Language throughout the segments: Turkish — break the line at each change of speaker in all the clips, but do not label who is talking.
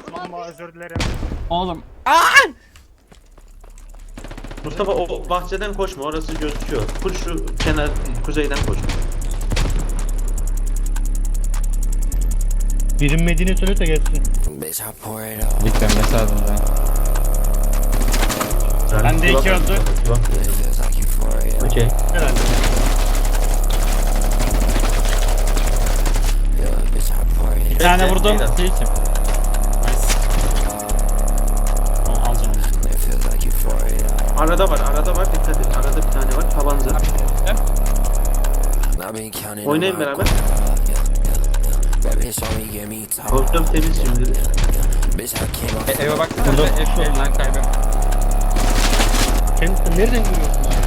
Ama özür dilerim.
Oğlum.
Mustafa o bahçeden koşma, orası gözüküyor. Full şu kenar kuzeyden koş.
Bilinmediğini söyle de gelsin.
Victor mesaj da.
Ben
de iki oldu.
Okey.
Herhalde.
Bir tane vurdum.
Nice.
Nice. Alacağım onu.
Arada var, dikkat et. Arada bir tane var, tabanca. Oynayın beraber. Korktum temiz şimdi.
Eve bak. Burada ev lan kaybım.
Kendisi nereden görüyorsun abi?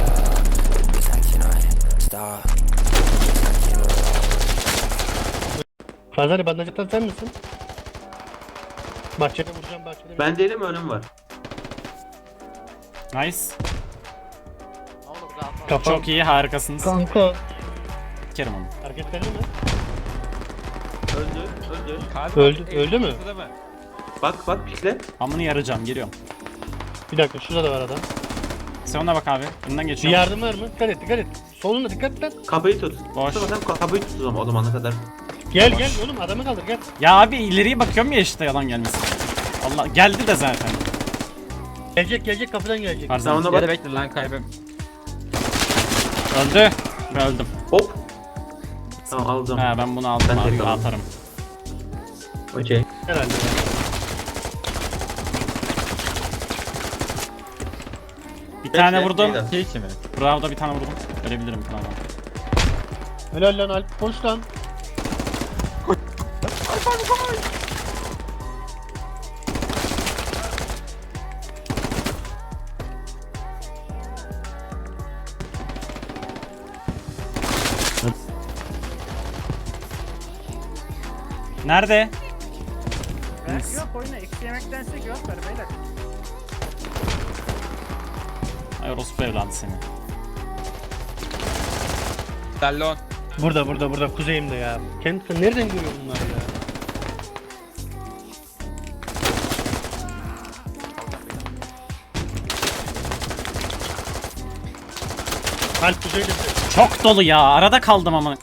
Fazla bandaj atan sen misin? Bahçede vuracağım bahçede.
Ben değilim, önüm var.
Nice.
Kafam.
Çok iyi, harikasınız.
Kanka.
Kerim onu.
Hareketlendi mi?
Öldü.
Öldü mü?
Bak pikle.
Amını yarayacağım, geliyorum.
Bir dakika şurada da var adam.
Sen ona bak abi. Önden
Bir
geçiyorum.
yardım var mı? Dikkat et. Solunda dikkat et lan.
Kapıyı tut.
Boş.
Mustafa sen kapıyı tut o zamana kadar.
Gel oğlum adamı kaldır gel.
Ya abi ileriye bakıyorum ya işte yalan gelmesin. Allah geldi de zaten.
Gelecek kapıdan gelecek.
Tarzan.
Sen ona bak.
bekle lan kaybım. Öldü. Ve öldüm.
Hop. Tamam alacağım.
He ben bunu aldım
Ben
abi
tek aldım.
atarım.
Okey.
Herhalde.
Bir tane
Bekle,
vurdum.
beyler.
Bravo'da bir tane vurdum. Ölebilirim falan.
Helal lan Alp koş lan.
Nerede?
Belki yok oyuna eksi yemektense cevap ver beyler.
Ay orospu evladı seni.
Dallon.
Burada kuzeyimde ya. Kendisi nereden görüyor bunları ya? Alp kuzeyde.
Çok dolu ya. Arada kaldım ama.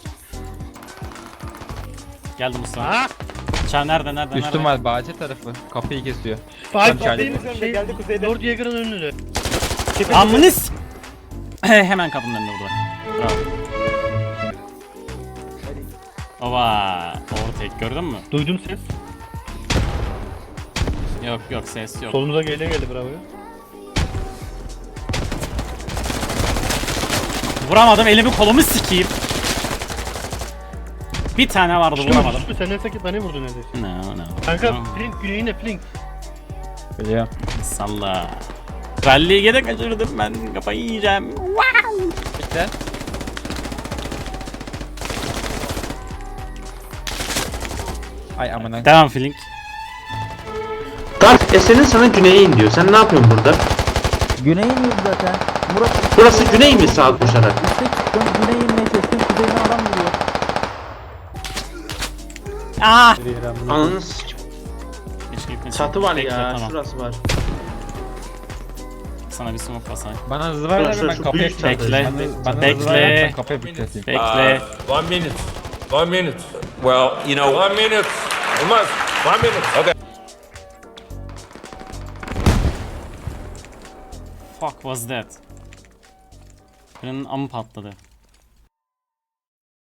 Geldim Mustafa.
Ha?
Çağ nerede?
Üstüm var bahçe tarafı. Kapıyı kesiyor.
Alp
Tam
benim
geldi.
şey geldi kuzeyde. Lord Yeager'ın önünde.
Amınız. Hemen kapının önünde burada. Bravo. Ova. Overtake gördün mü?
Duydum ses.
Yok ses yok.
Solumuza geldi bravo.
Vuramadım elimi kolumu sikeyim. Bir tane vardı vuramadım.
Sen neyse bana vurdun neredeyse.
No.
Kanka
No.
Flink güneyine Flink.
Biliyorum. Salla. Rally'yi gene kaçırdım ben kafayı yiyeceğim.
Bekle. Ay amına.
Devam Flink.
Dark Esen'in sana güneye in diyor. Sen ne yapıyorsun burada?
Güney iniyordu zaten. Murat
Burası güney mi sağa koşarak?
üstte çıktım. Güney inmeye çalıştım. Kuzeyine adam vuruyor.
Ah!
Ananı s***.
Keşke
Çatı var
Bekle,
ya,
tamam.
şurası var.
Sana bir smoke basayım.
Bana hızlı ver
Şurası,
abi ben
şu
kapıyı
büyük çatı.
Bekle.
Bana
Bekle.
hızlı ver ben kapıyı bükleteyim.
Bekle.
1 minute. 1 minute. Well, you know, 1 minute. We must. 1 minute. Okay.
Fuck was that? Birinin amı patladı.